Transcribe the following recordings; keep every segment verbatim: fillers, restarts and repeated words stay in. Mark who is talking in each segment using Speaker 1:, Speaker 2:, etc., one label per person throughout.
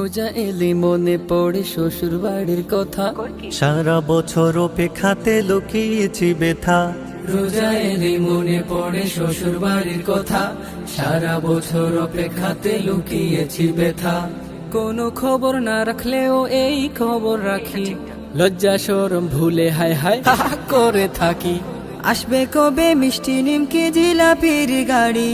Speaker 1: রোজা এলে মনে পড়ে শ্বশুর বাড়ির কথা,
Speaker 2: সারা বছর অপেক্ষাতে লুকিয়েছি ব্যথা।
Speaker 1: রোজা এলে মনে পড়ে শ্বশুর বাড়ির কথা, সারা বছর অপেক্ষাতে লুকিয়েছি ব্যথা। কোনো খবর না রাখলেও এই খবর রাখি, লজ্জা শরম ভুলে হায় হায় হা হা করে থাকি। আসবে কবে মিষ্টি নিমকি জিলাপির গাড়ি,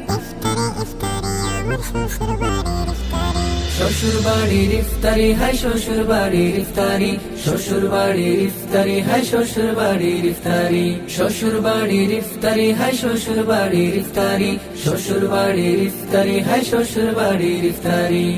Speaker 1: শ্বশুর বাড়ির ইফতারি হায় শ্বশুর বাড়ির ইফতারি, শ্বশুর বাড়ির ইফতারি হায় শ্বশুর বাড়ির ইফতারি, শ্বশুর বাড়ির ইফতারি হায় শ্বশুর বাড়ির ইফতারি, শ্বশুর বাড়ির ইফতারি হায় শ্বশুর বাড়ির ইফতারি।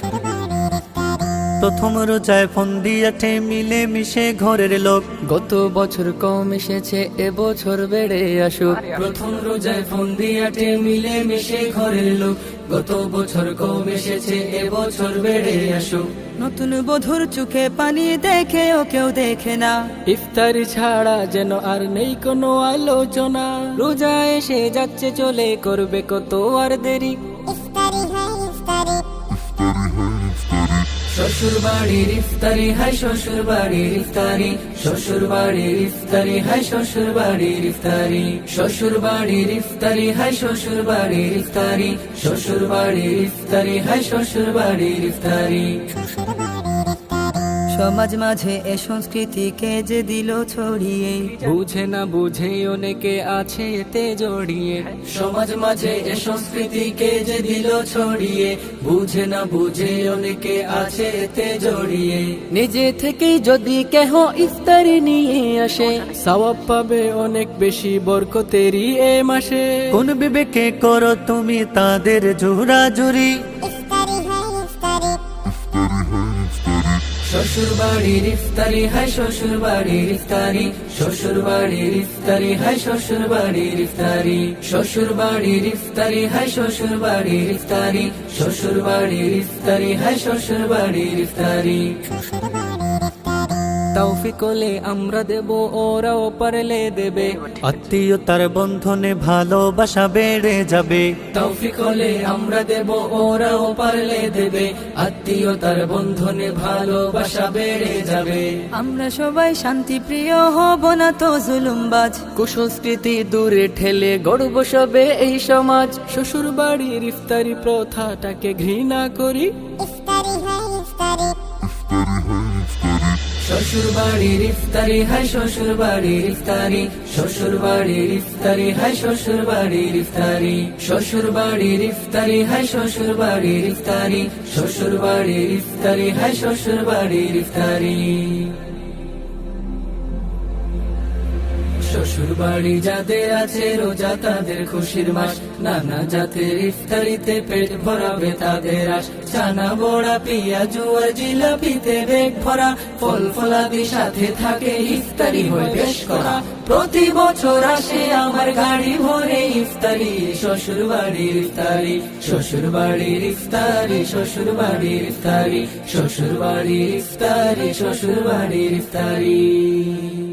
Speaker 2: প্রথম রোজায় ফোন দিয়াঠে মিলে মিশে ঘরের লোক,
Speaker 1: গত বছর কম এসেছে এবছর বেড়ে আসুক। প্রথম রোজায় ফোন দিয়াঠে মিলে মিশে ঘরের লোক, গত বছর কম এসেছে এবছর বেড়ে আসুক। নতুন বধুর চোখে পানি দেখে ও কেউ দেখে না, ইফতারি ছাড়া যেন আর নেই কোনো আলোচনা। রোজা এসে যাচ্ছে চলে করবে কত আর দেরি, শ্বশুর বাড়ির ইফতারি হায় শ্বশুর বাড়ির ইফতারি, শ্বশুর বাড়ির ইফতারি হায় শ্বশুর বাড়ির ইফতারি, শ্বশুর বাড়ির ইফতারি হায় শ্বশুর বাড়ির ইফতারি, শ্বশুর বাড়ির ইফতারি হায় শ্বশুর বাড়ির ইফতারি। সমাজ মাঝে এ সংস্কৃতিকে যে দিল ছড়িয়ে, বুঝে না বুঝে অনেকে আছে এতে জড়িয়ে। সমাজ মাঝে এ সংস্কৃতিকে যে দিল ছড়িয়ে, বুঝে না বুঝে অনেকে আছে এতে জড়িয়ে। নিজে থেকেই যদি কেহ ইফতারি নিয়ে আসে, সওয়াব পাবে অনেক বেশি বরকতেরই এ মাসে।
Speaker 2: কোন বিবেকে করো তুমি তাদের জোরাজুরি,
Speaker 1: শ্বশুর বাড়ির ইফতারি হায় শ্বশুর বাড়ির ইফতারি, শ্বশুর বাড়ির ইফতারি হায় শ্বশুর বাড়ির ইফতারি, শ্বশুর বাড়ির ইফতারি হায় শ্বশুর বাড়ির ইফতারি, শ্বশুর বাড়ির ইফতারি হায় শ্বশুর বাড়ির ইফতারি। তৌফিক হলে আমরা দেব ওরাও পারলে দেবে,
Speaker 2: আত্মীয়তার বন্ধনে ভালোবাসা বেড়ে যাবে।
Speaker 1: তৌফিক হলে আমরা দেব ওরাও পারলে দেবে, আত্মীয়তার বন্ধনে ভালোবাসা বেড়ে যাবে। আমরা সবাই শান্তি প্রিয় হব না তো জুলুমবাজ, কুসংস্কৃতি দূরে ঠেলে গড়ব সবে এই সমাজ। শ্বশুর বাড়ির ইফতারি প্রথাটাকে ঘৃণা করি, শ্বশুর বাড়ির ইফতারি হায় শ্বশুর বাড়ির ইফতারি, শ্বশুর বাড়ির ইফতারি হায় শ্বশুর বাড়ির ইফতারি, শ্বশুর বাড়ির ইফতারি হায় শ্বশুর বাড়ির ইফতারি, শ্বশুর বাড়ির ইফতারি হায় শ্বশুর বাড়ির ইফতারি। শ্বশুর বাড়ি যাদের আছে রোজা তাদের খুশির মাস, নানা জাতের ইফতারিতে পেট ভরাবে তাদের আশ। চানা বড়া পেঁয়াজ আর জিলাপিতে বেগ ভরা, ফল ফলাদি সাথে থাকে ইফতারি হয় বেশ করা। প্রতি বছর আসে আমার গাড়ি ভরে ইফতারি, শ্বশুর বাড়ির ইফতারি, শ্বশুর বাড়ির ইফতারি, শ্বশুর বাড়ির ইফতারি, শ্বশুর বাড়ির ইফতারি, শ্বশুর বাড়ির ইফতারি।